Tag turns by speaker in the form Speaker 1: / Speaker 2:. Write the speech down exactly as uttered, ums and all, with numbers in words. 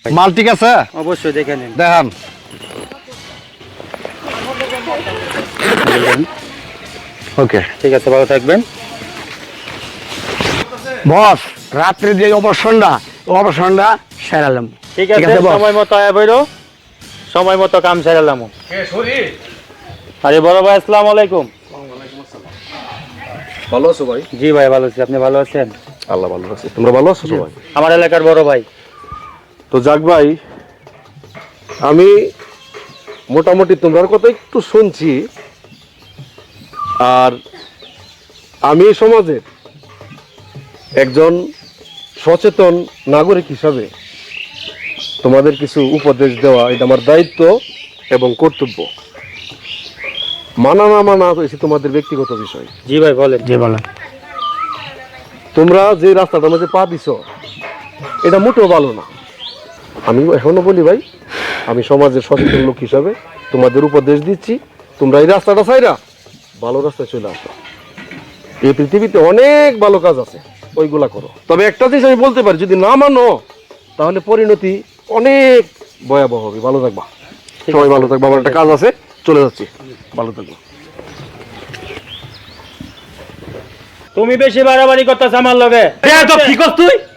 Speaker 1: মাল ঠিক আছে?
Speaker 2: অবশ্যই দেখে নিন।
Speaker 1: দেখান। ওকে,
Speaker 2: ঠিক আছে, ভালো থাকবেন।
Speaker 3: বস, রাত্রে যে অপারেশনটা অপারেশনটা সেরালাম।
Speaker 2: ঠিক আছে, সময় মতো আয়া বইরো, সময় মতো কাম সেরালাম। আরে বড় ভাই, আসসালামু আলাইকুম।
Speaker 4: ভালো আছো ভাই?
Speaker 2: জি ভাই, ভালো আছি। আপনি ভালো আছেন?
Speaker 4: আল্লাহ ভালো আছে। তোমরা ভালো আছো সবাই?
Speaker 2: আমার এলাকার বড় ভাই।
Speaker 4: তো যাক ভাই, আমি মোটামুটি তোমার কথা একটু শুনছি, আর আমি সমাজের একজন সচেতন নাগরিক হিসাবে তোমাদের কিছু উপদেশ দেওয়া এটা আমার দায়িত্ব এবং কর্তব্য। মানা না মানা হয়েছে তোমাদের ব্যক্তিগত বিষয়।
Speaker 2: জি ভাই বলেন।
Speaker 3: জি বলেন।
Speaker 4: তোমরা যে রাস্তাটার মধ্যে পা দিছো এটা মোটেও ভালো না। আমি এখনো বলি ভাই, আমি সমাজের সচেতন লোক হিসাবে তোমাদের উপদেশ দিচ্ছি, তোমরা এই রাস্তাটা ছাইরা ভালো রাস্তায় চলে আসো। এই পৃথিবীতে অনেক ভালো কাজ আছে, ওইগুলা করো। তবে একটা জিনিস আমি বলতে পারি, যদি না মানো তাহলে পরিণতি অনেক ভয়াবহ হবে। ভালো থাকবা, সবাই ভালো থাকবা। আমার একটা কাজ আছে, চলে যাচ্ছি। ভালো থাকবা।
Speaker 2: তুমি বেশি বাড়াবাড়ি করতেছ আমার লগে।
Speaker 1: কি করছ তুই?